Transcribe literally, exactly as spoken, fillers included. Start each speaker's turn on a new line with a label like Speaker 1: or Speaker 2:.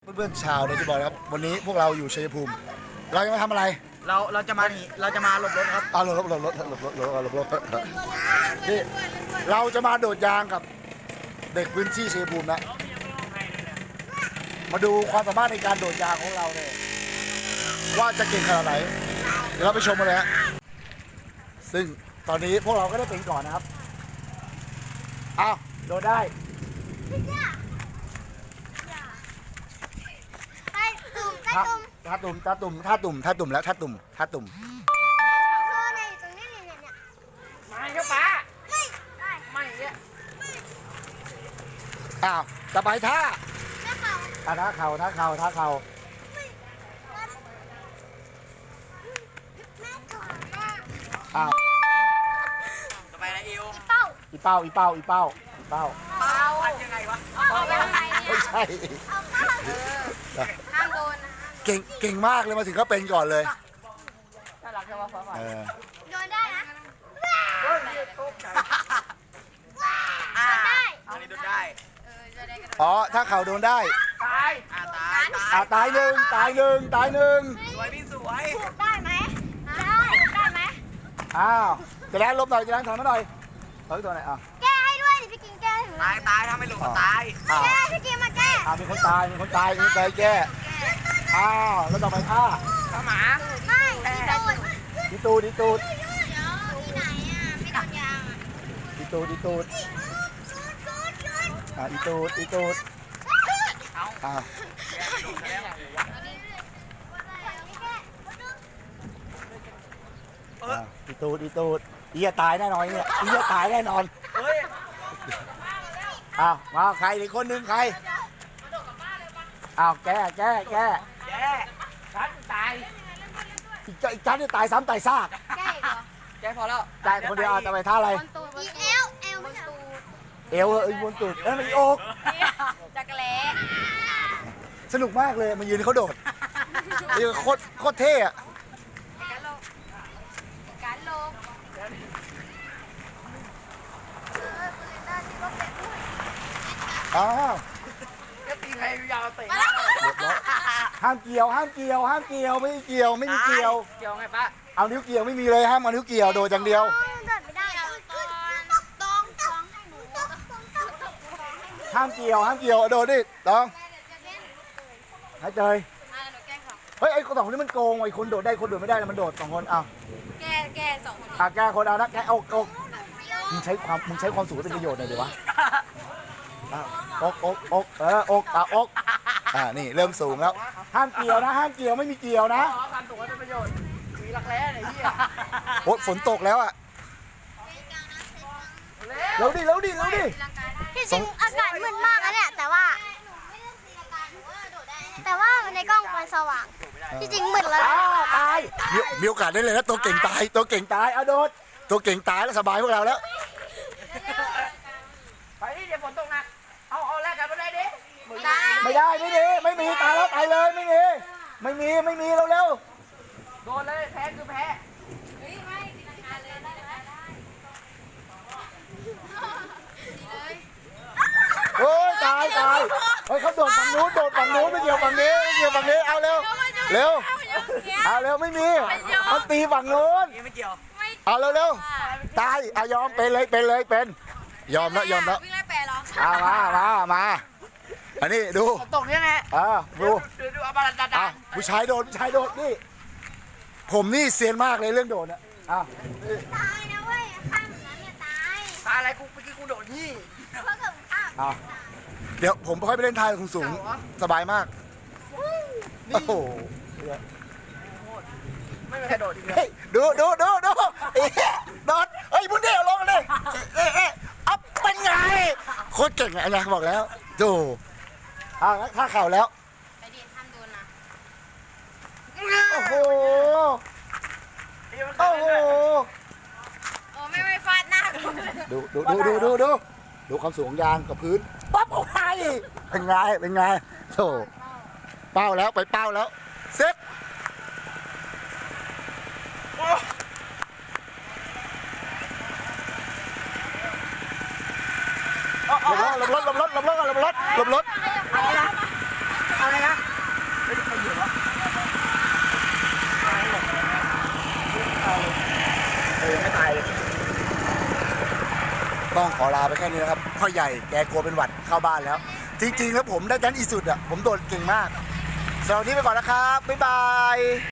Speaker 1: เพื่อนๆชาวเดลิบอลครับวันนี้พวกเราอยู่ชัยภูมิเราจะมาทำอะไร
Speaker 2: เราเราจะมาเราจะมาหลบรถครับ
Speaker 1: อ่าหลบรถหลบรถหลบรถหลบรถหลบรถนี่เราจะมาโดดยางกับเด็กพื้นที่ชัยภูมินะมาดูความสามารถในการโดดยางของเราเนี่ยว่าจะเก่งขนาดไหนเดี๋ยวเราไปชมกันเลยฮะซึ่งตอนนี้พวกเราก็ได้เป็นก่อนนะครับอ้าวโดดได้ท่าตุ่มท่าตุ่มท่าตุ่มท่าตุ่มท่าตุ่มแล้วท่าตุ่มท่าตุ่ม
Speaker 2: ไม่ครับป้าไม่ไม่เนี่ย
Speaker 1: อ้าวต่อไปท่าท่าท่าเข่าท่าเข่าท่าเข่าอ้าว
Speaker 2: ต่อไปนะอิว
Speaker 1: อีเป้าอีเป้าอีเป้าอีเป้า
Speaker 2: เป้าพันยังไงวะ
Speaker 1: ไม่ใช่
Speaker 3: ห้ามโดน
Speaker 1: เก่งเก่งมากเลยมาถึงก็เป็นก่อนเลย
Speaker 2: น่ารักจังวะฟ้า
Speaker 1: เออ
Speaker 3: โดนได้นะ
Speaker 2: อ่าอันนี้โดนได้
Speaker 1: อ๋อถ้าเข่าโดนได้
Speaker 2: ตายอ่าตาย
Speaker 1: อ่าตายหนึ่งตายหนึ่งตายหนึ่ง
Speaker 2: สวยพี่สวย
Speaker 3: ได้ไหมได้ได้ไหม
Speaker 1: อ้าวจะแรงลบหน่อยจะแรงถอยมาหน่อยถอยตัวไหนอ่ะ
Speaker 3: แก้ให้ด้วยพี่กินแก้
Speaker 2: ตายตายถ้าไม่หลงก็ตาย
Speaker 3: แก้พี่กินมาแก้
Speaker 1: อ่ามีคนตายมีคนตายมีคนตายแก้อ้าวแล้วต่อไปท่า
Speaker 2: ข้าหมา
Speaker 3: ไม่
Speaker 1: ดีตูดดีตูด
Speaker 3: ที่ไหนอ่ะไม่โดนยาง
Speaker 1: ดีตูดดีตูดอ่าดีตูดดีตูดอ่าดีตูดดีตูดอีจะตายแน่นอนเนี่ยอีจะตายแน่นอนอ้าวมาใครอีกคนนึงใครอ้าวแก้แก้แก้
Speaker 2: แก้ฉันตาย
Speaker 1: อีกอีกชั้นจะตายซ้ำตายซาก
Speaker 3: แก้เหรอ
Speaker 2: แก้พอแล้ว
Speaker 1: ตายคนเดียวจะไปท่าอะไร
Speaker 3: อีเอลเอลมันตูด
Speaker 1: เอวเอ้ยบนตูดเอ้ยมันอก
Speaker 3: จักรแล้
Speaker 1: สนุกมากเลยมันยืนเขาโดดนี่โคตรโคตรเท่อะ
Speaker 3: การโลก
Speaker 1: อ้าว
Speaker 2: ก็ตีใครยาวเตะ
Speaker 1: ห้ามเกี่ยวห้ามเกี่ยวห้ามเกี่ยวไม่เกี่ยวไม่มีเกี่ยว
Speaker 2: เกี่ยวไงป้า
Speaker 1: เอานิ้วเกี่ยวไม่มีเลยห้ามเอานิ้วเกี่ยวโดดอย่างเดียวห้ามเกี่ยวห้ามเกี่ยวโดดดิต้องให้เจยเฮ้ยไอ้คนสองคนนี้มันโกงไอ้คนโดดได้คนโดดไม่ได้มันโดดสองคนเอา
Speaker 3: แก้แก้สองคน
Speaker 1: อ่ะแก้คนเอานะแก้อกอกมึงใช้ความมึงใช้ความสูงเป็นประโยชน์หน่อยดิวะอกอกอกเอออกอ่ะอกอ่านี่เริ่มสูงแล้วห้ามเกี่ยวนะห้ามเกี่ยวไม่มีเกี่ยวนะ
Speaker 2: ความสูงเป็นประโยชน์มีรักแร้ไหนที่อ่ะ
Speaker 1: โอ้ฝนตกแล้วอ่ะเร็วดิเร็วดิเร็วดิ
Speaker 3: ที่จริงอากาศมืดมากนะเนี่ยแต่ว่าแต่ว่าในกล้องมันสว่างที่จริงมืดแล้ว
Speaker 1: ตายมีโอกาสได้เลยนะตัวเก่งตายตัวเก่งตายเอาโดดตัวเก่งตายแล้วสบายพวกเราแล้ว
Speaker 2: ไปนี่เดี๋ยวฝนตกหนักเอาเอาแรกกันไม่ได้ดิ
Speaker 1: ไม่ได้ไม่ดีไม่มีตายแล้วตายเลยไม่มีไม่มีไม่มีเร็วเร็ว
Speaker 2: โดนเลยแพ้คือแพ้
Speaker 1: โอ้ยตายตายเฮ้ยเขาโดดฝั่งนู้นโดดฝั่งนู้นไม่เกี่ยวฝั่งนี้ไม่เกี่ยวฝั่งนี้เอาเร็วเร็วเอาเร็วไม่มีเขาตีฝั่งนู้น
Speaker 2: ไม่เกี่ยว
Speaker 1: เอาเร็วเร็วตายเอายอมเป็นเลยเป็นเลยเป็นยอมแล้วยอมแล้ว
Speaker 3: วิ่งไล่แปรหรอ
Speaker 1: เอามามามาอันนี้ดู
Speaker 2: ตกยังไง
Speaker 1: อ่าดู
Speaker 2: ดูดูอาบาลันดาดา
Speaker 1: ผู้ชายโดดผู้ชายโดดนี่ผมนี่เซียนมากเลยเรื่องโดดอ่ะอ่ะ
Speaker 3: ตายนะเว้ยข้ามนั้นเนี่ยตาย
Speaker 2: ตายอะไรกูเมื่อกี้กูโดดนี่
Speaker 3: เพราะเกิดข้าม
Speaker 1: อ่ะเดี๋ยวผมค่อยไปเล่นทายสูงสบายมากโอ้โห
Speaker 2: ไม่มีใครโดดอีก
Speaker 1: เลยดูดูดูดูโดดเฮ้ยบุญเดียวลงเลยเอ๊ะเอ๊ะอัพเป็นไงโคตรเก่งอะไงบอกแล้วดูอ่ะถ้าเข่าแล้ว
Speaker 3: ไปดิห้ามโดนนะ
Speaker 1: โอ้โหโอ้โห
Speaker 3: โอ้ไม่ไม่ฟาดหน้า
Speaker 1: ดูดูดูดูดูดูดูความสูงยางกับพื้นปั๊บโอ้ยเป็นไงเป็นไงโธ่เป้าแล้วไปเป้าแล้วเซ็ตหลบรถหลบรถหลบรถหลบรถหลบรถ
Speaker 2: อะไรนะอะไรนะ
Speaker 1: ต้องขอลาไปแค่นี้นะครับพ่อใหญ่แกกลัวเป็นหวัดเข้าบ้านแล้ว จริงๆแล้วผมได้แดนอีสุดอ่ะผมโดดเก่งมากสำหรับวันนี้ไปก่อนนะครับบ๊ายบาย